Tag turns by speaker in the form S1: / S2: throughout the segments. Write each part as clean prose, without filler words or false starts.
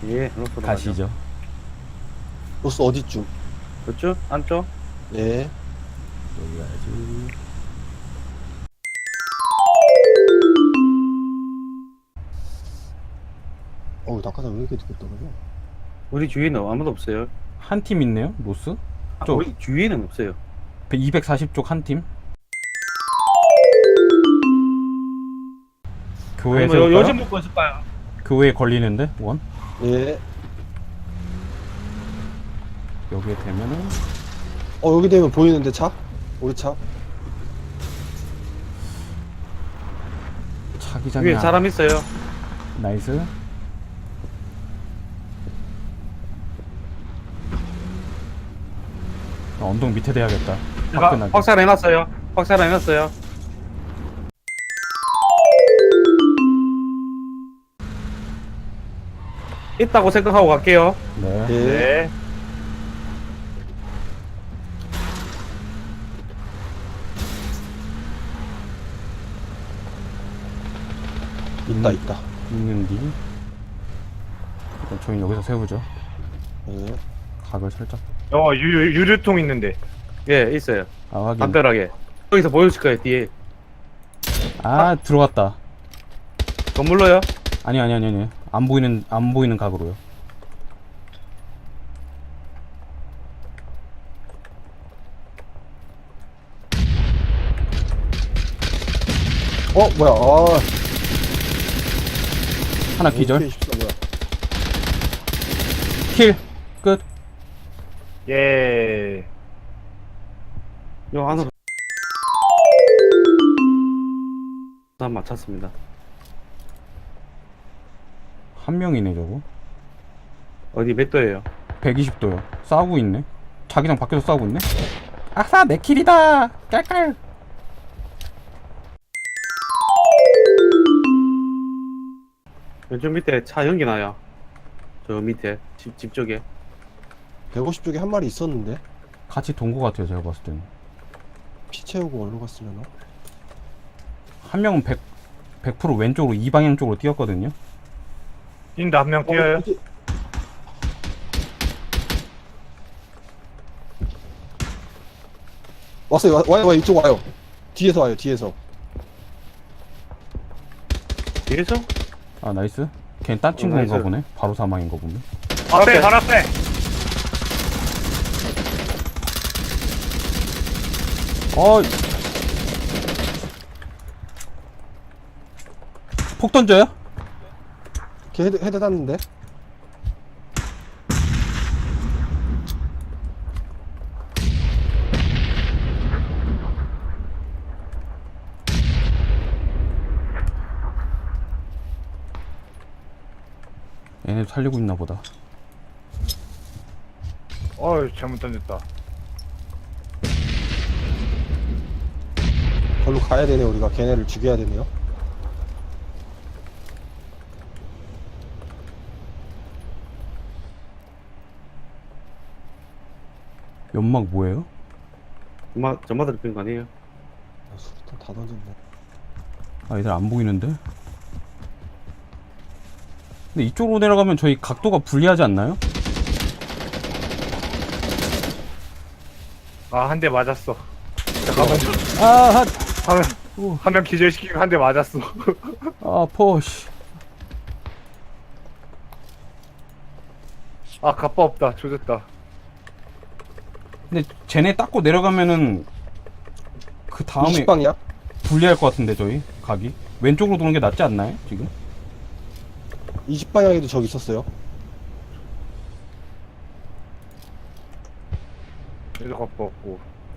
S1: 예, 로스로 가죠.
S2: 가시죠.
S3: 로스 어디쯤?
S1: 그쪽? 안쪽?
S3: 예.
S2: 여기 가야지.
S3: 어우, 낙하산 왜 이렇게 늦게 떨어져?
S1: 우리 주위에는 아무도 없어요.
S2: 한 팀 있네요, 로스. 쪽.
S1: 우리 주위에는 없어요.
S2: 240쪽 한 팀. 교회
S1: 아니면
S2: 세울까요?
S1: 요즘 먹고 있을까요?
S2: 교회에 걸리는데 원.
S3: 예.
S2: 여기에 되면은
S3: 여기 되면 보이는데 차? 우리 차?
S2: 자기장이
S1: 위에 사람 있어요.
S2: 나이스. 언덕 밑에 대야겠다.
S1: 제가
S2: 화끈하게.
S1: 확산해놨어요. 확산해놨어요. 있다고 생각하고 갈게요.
S2: 네.
S3: 예.
S1: 네.
S3: 있다.
S2: 있는디. 일단 저희 여기서 세우죠.
S3: 예.
S2: 각을 살짝.
S4: 유류통 있는데.
S1: 예, 있어요.
S2: 아 확인.
S1: 담벼락에. 여기서 보여줄 거예요, 뒤에.
S2: 아 들어갔다.
S1: 건물로요?
S2: 아니. 안 보이는 각으로요.
S3: 뭐야,
S2: 하나 기절.
S3: AK-14 뭐야.
S2: 킬. 끝.
S4: 예.
S1: 요 안으로. 다 맞췄습니다.
S2: 한 명이네 저거.
S1: 어디 몇 도예요?
S2: 120도요. 싸우고 있네. 자기장 밖에서 싸우고 있네. 아싸 내 킬이다. 깔깔.
S1: 왼쪽 밑에 차 연기 나요. 저 밑에 집 쪽에.
S3: 150쪽에 한 마리 있었는데?
S2: 같이 돈 거 같아요 제가 봤을 때는.
S3: 피 채우고 어디로 갔으려나?
S2: 한 명은 100% 왼쪽으로 이 방향 쪽으로 뛰었거든요.
S4: 인다 한 명 뛰어요.
S3: 어디? 왔어요. 와요. 이쪽 와요. 뒤에서 와요. 뒤에서.
S1: 뒤에서?
S2: 아 나이스. 걔는 딴 친구인가
S1: 나이스.
S2: 보네. 바로 사망인가 보네.
S4: 앞에 바로 앞에.
S2: 폭 던져요?
S3: 걔 헤드 땄는데?
S2: 얘네 살리고 있나 보다.
S4: 잘못 던졌다.
S3: 걸로 가야 되네. 우리가 걔네를 죽여야 되네요.
S2: 연막 뭐예요?
S1: 저마다 핀거 아니에요?
S3: 수류탄 다 던졌네.
S2: 아 얘들 안 보이는데? 근데 이쪽으로 내려가면 저희 각도가 불리하지 않나요?
S4: 한 대 맞았어. 잠깐만.
S2: 아,
S4: 한 명 기절시키고 한 대 맞았어.
S2: 포시.
S4: 갑바 없다. 조졌다.
S2: 근데 쟤네 닦고 내려가면은 그 다음에
S3: 20방이야?
S2: 불리할 것 같은데 저희 각이 왼쪽으로 도는 게 낫지 않나요 지금?
S3: 20방향에도 저기 있었어요.
S4: 얘도 갑바 없고.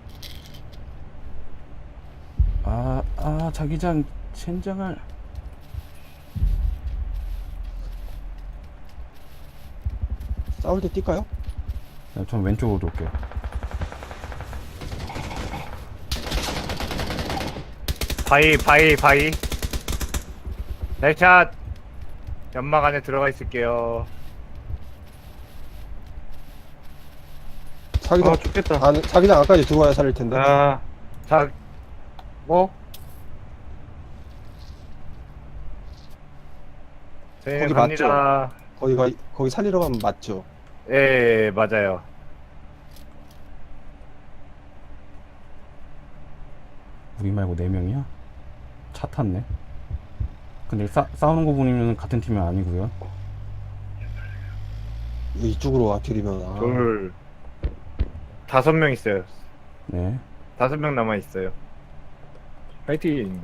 S2: 자기장 젠장을.
S3: 싸울 때 뛸까요?
S2: 네, 전 왼쪽으로 돌게요.
S4: 바이. 날샷. 연막 안에 들어가 있을게요.
S3: 자기장,
S1: 죽겠다.
S3: 자기장 안까지 들어와야 살릴 텐데.
S4: 자, 뭐? 저희는
S3: 거기
S4: 갑니다.
S3: 거기 살리러 가면 맞죠?
S4: 예, 맞아요.
S2: 우리 말고 4명이야? 차 탔네. 근데 싸우는 거 보면 같은 팀이 아니고요.
S3: 이쪽으로 와필이면
S4: 둘, 5명 있어요.
S2: 네.
S4: 5명 남아 있어요. 파이팅.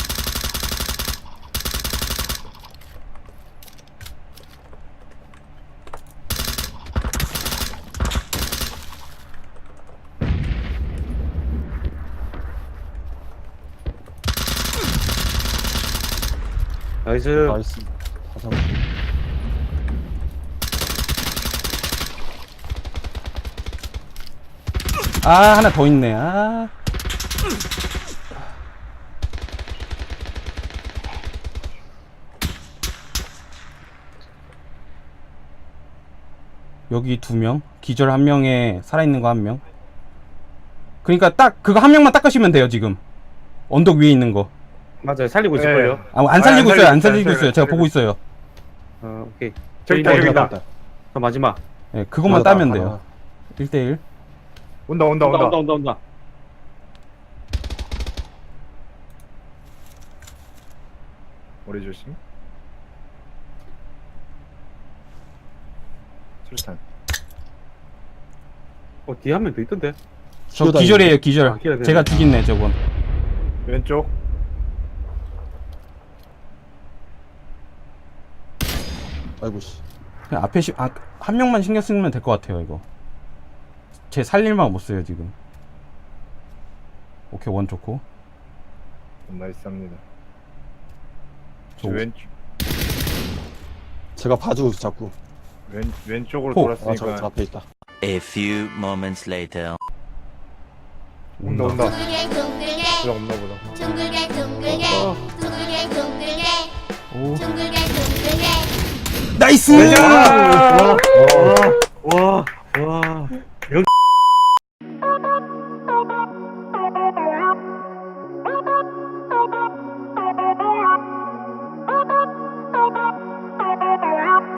S1: 나이스.
S3: 나이스. 다 잡고.
S2: 아, 하나 더 있네. 아. 여기 2명, 기절 1명에 살아있는 거 1명. 그러니까 딱 그거 1명만 닦으시면 돼요. 지금 언덕 위에 있는 거.
S1: 맞아요. 살리고 있을걸요.
S2: 안 살리고
S4: 안
S2: 있어요. 안
S4: 살리고
S2: 살리고
S4: 있어요.
S2: 있어요. 제가 보고 있어요.
S1: 오케이.
S4: 저기다,
S1: 저기
S4: 저기다.
S3: 있다.
S1: 저 마지막.
S2: 네, 그것만
S3: 하나 더,
S2: 따면
S3: 하나.
S2: 돼요. 1대1.
S4: 온다.
S1: 온다.
S4: 머리 조심. 술탄.
S1: 뒤에 한 명 더 있던데.
S2: 저
S3: 기어다니는데?
S2: 기절이에요. 기절.
S1: 아, 기어야 되네.
S2: 제가 죽였네 저건.
S4: 왼쪽.
S3: 아이고 씨.
S2: 그냥 앞에 한 명만 신경 쓰면 될 것 같아요. 이거 제 살릴만 못 써요 지금. 오케이, 원 좋고.
S4: 나이스합니다.
S2: 저
S4: 왼쪽.
S3: 제가 봐주고 있어 자꾸.
S4: 왼쪽으로
S2: 호.
S3: 아,
S4: 돌았으니까.
S3: 저 앞에 있다.
S5: A few moments later.
S4: 온다.
S6: 둥글게 둥글게
S4: 그냥 없나 보다.
S6: 둥글게 둥글게 둥글게 둥글게
S2: 오.
S6: 둥글게 둥글게
S2: 나이스!
S4: 아!